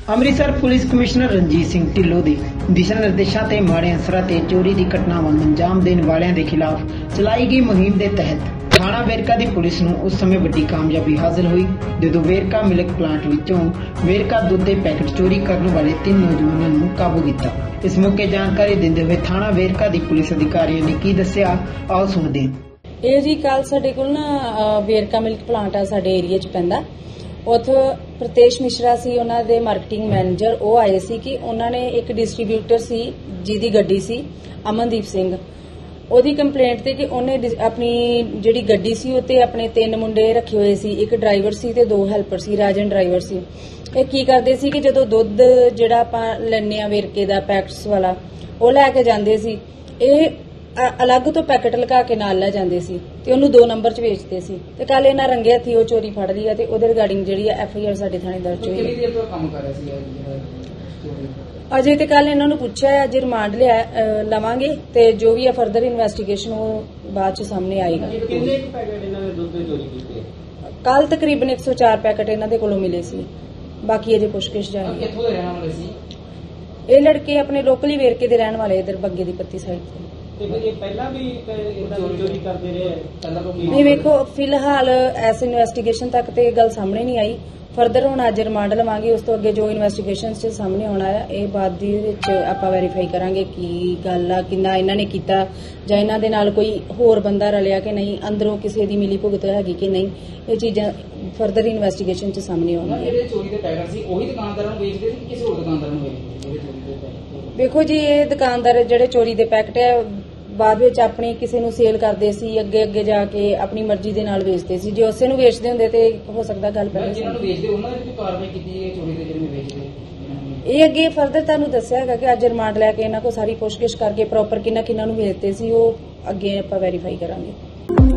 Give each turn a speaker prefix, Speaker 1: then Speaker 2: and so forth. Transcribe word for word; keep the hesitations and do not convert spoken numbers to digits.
Speaker 1: Amritsar police commissioner Ranjit Singh Dhillon ਦੇ ਦਿਸ਼ਾ ਨਿਰਦੇਸ਼ਾਂ ਤੇ ਮਾੜੇ ਅਸਰਾਂ ਤੇ ਚੋਰੀ ਦੀ ਘਟਨਾਵਾਂ ਨੂੰ ਅੰਜਾਮ ਦੇਣ ਵਾਲਿਆਂ ਦੇ ਖਿਲਾਫ ਚਲਾਈ ਗਈ ਮੁਹਿੰਮ ਦੇ ਤਹਿਤ ਥਾਣਾ ਵੇਰਕਾ ਦੀ ਪੁਲਿਸ ਨੂੰ ਉਸ ਸਮੇਂ ਵੱਡੀ ਕਾਮਯਾਬੀ ਹਾਸਲ ਹੋਈ ਜਦੋਂ ਵੇਰਕਾ ਮਿਲਕ ਪਲਾਂਟ ਵਿੱਚੋਂ ਵੇਰਕਾ ਦੁੱਧ ਦੇ ਪੈਕਟ ਚੋਰੀ ਕਰਨ ਵਾਲੇ ਤਿੰਨ ਨੌਜਵਾਨਾਂ ਨੂੰ ਕਾਬੂ ਕੀਤਾ। ਇਸ ਮੌਕੇ ਜਾਣਕਾਰੀ ਦਿੰਦੇ ਹੋਏ ਥਾਣਾ ਵੇਰਕਾ ਦੀ ਪੁਲਿਸ ਅਧਿਕਾਰੀਆਂ ਨੇ ਕੀ ਦੱਸਿਆ, ਆਓ ਸੁਣਦੇ ਹਾਂ।
Speaker 2: ਇਹ ਜੀ ਕੱਲ ਸਾਡੇ ਕੋਲ ਨਾ ਵੇਰਕਾ ਮਿਲਕ ਪਲਾਂਟ ਆ ਸਾਡੇ ਏਰੀਆ 'ਚ ਪੈਂਦਾ, ਉੱਥੇ ਪ੍ਰਤੇਸ਼ ਮਿਸ਼ਰਾ ਸੀ ਉਹਨਾਂ ਦੇ ਮਾਰਕੀਟਿੰਗ ਮੈਨੇਜਰ। ਉਹ ਆਏ ਸੀ ਕਿ ਉਹਨਾਂ ਨੇ ਇੱਕ ਡਿਸਟ੍ਰੀਬਿਊਟਰ ਸੀ ਜਿਹਦੀ ਗੱਡੀ ਸੀ ਅਮਨਦੀਪ ਸਿੰਘ, ਉਹਦੀ ਕੰਪਲੇਂਟ ਤੇ ਕਿ ਉਹਨੇ ਆਪਣੀ ਜਿਹੜੀ ਗੱਡੀ ਸੀ ਉੱਤੇ ਆਪਣੇ ਤਿੰਨ ਮੁੰਡੇ ਰੱਖੇ ਹੋਏ ਸੀ, ਇੱਕ ਡਰਾਈਵਰ ਸੀ ਤੇ ਦੋ ਹੈਲਪਰ ਸੀ, ਰਾਜਨ ਡਰਾਈਵਰ ਸੀ। ਇਹ ਕੀ ਕਰਦੇ ਸੀ ਕਿ ਜਦੋਂ ਦੁੱਧ ਜਿਹੜਾ ਆਪਾਂ ਲੈਣੇ ਆ ਵੇਰਕੇ ਦਾ ਪੈਕਟਸ ਵਾਲਾ ਉਹ ਲੈ ਕੇ ਜਾਂਦੇ ਸੀ, ਇਹ ਅਲੱਗ ਤੋਂ ਪੈਕਟ ਲਗਾ ਕੇ ਨਾਲ ਲੈ ਜਾਂਦੇ ਸੀ ਤੇ ਉਹਨੂੰ ਦੋ ਨੰਬਰ 'ਚ ਵੇਚਦੇ ਸੀ। ਤੇ ਕੱਲ ਇਹਨਾਂ ਰੰਗੇ ਹੱਥੀ ਉਹ ਚੋਰੀ ਫੜ ਲਈ ਆ ਤੇ ਉਹਦੇ ਰਿਗਾਰਡਿੰਗ ਜਿਹੜੀ ਆ ਐਫ ਆਈ ਆਰ ਸਾਡੇ ਥਾਣੇ ਦਰਜ ਹੋਈ।
Speaker 3: ਕਿੰਨੀ ਦੇਰ ਤੋਂ ਕੰਮ ਕਰ ਰਿਹਾ ਸੀ?
Speaker 2: ਅਜੇ ਤੇ ਕੱਲ ਇਹਨਾਂ ਨੂੰ ਪੁੱਛਿਆ, ਅੱਜ ਰਿਮਾਂਡ ਲਿਆ ਲਵਾਂਗੇ ਤੇ ਜੋ ਵੀ ਆ ਫਰਦਰ ਇਨਵੈਸਟੀਗੇਸ਼ਨ ਉਹ ਬਾਅਦ 'ਚ ਸਾਹਮਣੇ ਆਏਗਾ।
Speaker 3: ਕਿੰਨੇ ਪੈਕੇਟ ਇਹਨਾਂ ਨੇ ਦੁੱਧ ਦੇ ਚੋਰੀ ਕੀਤੇ?
Speaker 2: ਕੱਲ ਤਕਰੀਬਨ ਇੱਕ ਸੌ ਚਾਰ ਪੈਕਟ ਇਹਨਾਂ ਦੇ ਕੋਲੋਂ ਮਿਲੇ ਸੀ, ਬਾਕੀ ਅਜੇ ਪੁੱਛਗਿੱਛ ਜਾਰੀ।
Speaker 3: ਕਿੱਥੋਂ ਦੇ ਰਹਿਣ ਵਾਲੇ ਸੀ
Speaker 2: ਇਹ ਲੜਕੇ? ਆਪਣੇ ਲੋਕਲੀ ਵੇਰਕੇ ਦੇ ਰਹਿਣ ਵਾਲੇ, ਇਧਰ ਬੱਗੇ ਦੀ ਪੱਤੀ ਸਾਈਡ ਤੋਂ।
Speaker 3: ਤੇ ਪਹਿਲਾਂ ਵੀ ਚੋਰੀ ਕਰਦੇ ਰਹੇ? ਪਹਿਲਾਂ ਤੋਂ
Speaker 2: ਨਹੀਂ, ਵੇਖੋ ਫਿਲਹਾਲ ਐਸ ਇਨਵੈਸਟੀਗੇਸ਼ਨ ਤੱਕ ਤੇ ਇਹ ਗੱਲ ਸਾਹਮਣੇ ਨਹੀਂ ਆਈ। ਫਰਦਰ ਹੁਣ ਅੱਜ ਰਿਮਾਂਡ ਲਵਾਂਗੇ, ਉਸ ਤੋਂ ਅੱਗੇ ਜੋ ਇਨਵੈਸਟੀਗੇਸ਼ਨ 'ਚ ਸਾਹਮਣੇ ਆਉਣਾ ਹੈ ਇਹ ਬਾਅਦ ਦੇ ਵਿੱਚ ਆਪਾਂ ਵੈਰੀਫਾਈ ਕਰਾਂਗੇ ਕੀ ਗੱਲ ਆ, ਕਿੰਨਾ ਇਹਨਾਂ ਨੇ ਕੀਤਾ ਜਾਂ ਇਹਨਾਂ ਦੇ ਨਾਲ ਕੋਈ ਹੋਰ ਬੰਦਾ ਰਲਿਆ ਕਿ ਨਹੀਂ, ਅੰਦਰੋਂ ਕਿਸੇ ਦੀ ਮਿਲੀ ਭੁਗਤ ਹੈਗੀ ਕਿ ਨਹੀਂ, ਇਹ ਚੀਜ਼ਾਂ ਫਰਦਰ ਇਨਵੈਸਟੀਗੇਸ਼ਨ 'ਚ ਸਾਹਮਣੇ ਆਉਣਗੀਆਂ।
Speaker 3: ਜਿਹੜੇ ਚੋਰੀ ਦੇ ਪੈਕਟ ਸੀ ਉਹੀ ਦੁਕਾਨਦਾਰਾਂ ਨੂੰ ਵੇਚਦੇ ਸੀ ਕਿ ਕਿਸੇ ਹੋਰ ਦੁਕਾਨਦਾਰ ਨੂੰ ਵੇਚਦੇ?
Speaker 2: ਵੇਖੋ ਜੀ, ਇਹ ਦੁਕਾਨਦਾਰ ਜਿਹੜੇ ਚੋਰੀ ਦੇ ਪੈਕਟ ਹੈ ਬਾਅਦ ਵਿੱਚ ਆਪਣੀ ਕਿਸੇ ਨੂੰ ਸੇਲ ਕਰਦੇ ਸੀ, ਅੱਗੇ ਅੱਗੇ ਜਾ ਕੇ ਆਪਣੀ ਮਰਜ਼ੀ ਦੇ ਨਾਲ ਵੇਚਦੇ ਸੀ। ਜੇ ਉਸੇ ਨੂੰ ਵੇਚਦੇ ਹੁੰਦੇ ਤੇ ਹੋ ਸਕਦਾ ਗੱਲ ਪਹਿਲਾਂ
Speaker 3: ਜਿਹਨਾਂ ਨੂੰ ਵੇਚਦੇ ਉਹਨਾਂ ਦੀ ਕਾਰਵਾਈ ਕੀਤੀ ਹੈ ਚੋਰੀ ਦੇ ਜਿਹੜੇ ਵੇਚਦੇ?
Speaker 2: ਇਹ ਅੱਗੇ ਫਰਦਰ ਤੁਹਾਨੂੰ ਦੱਸਿਆ ਹੈਗਾ ਕਿ ਅੱਜ ਰਿਮਾਂਡ ਲੈ ਕੇ ਇਹਨਾਂ ਕੋਲ ਸਾਰੀ ਪੁੱਛਗਿੱਛ ਕਰਕੇ ਪ੍ਰੋਪਰ ਕਿੰਨਾ ਕਿੰਨਾ ਨੂੰ ਵੇਚਦੇ ਸੀ ਉਹ ਅੱਗੇ ਆਪਾਂ ਵੈਰੀਫਾਈ ਕਰਾਂਗੇ।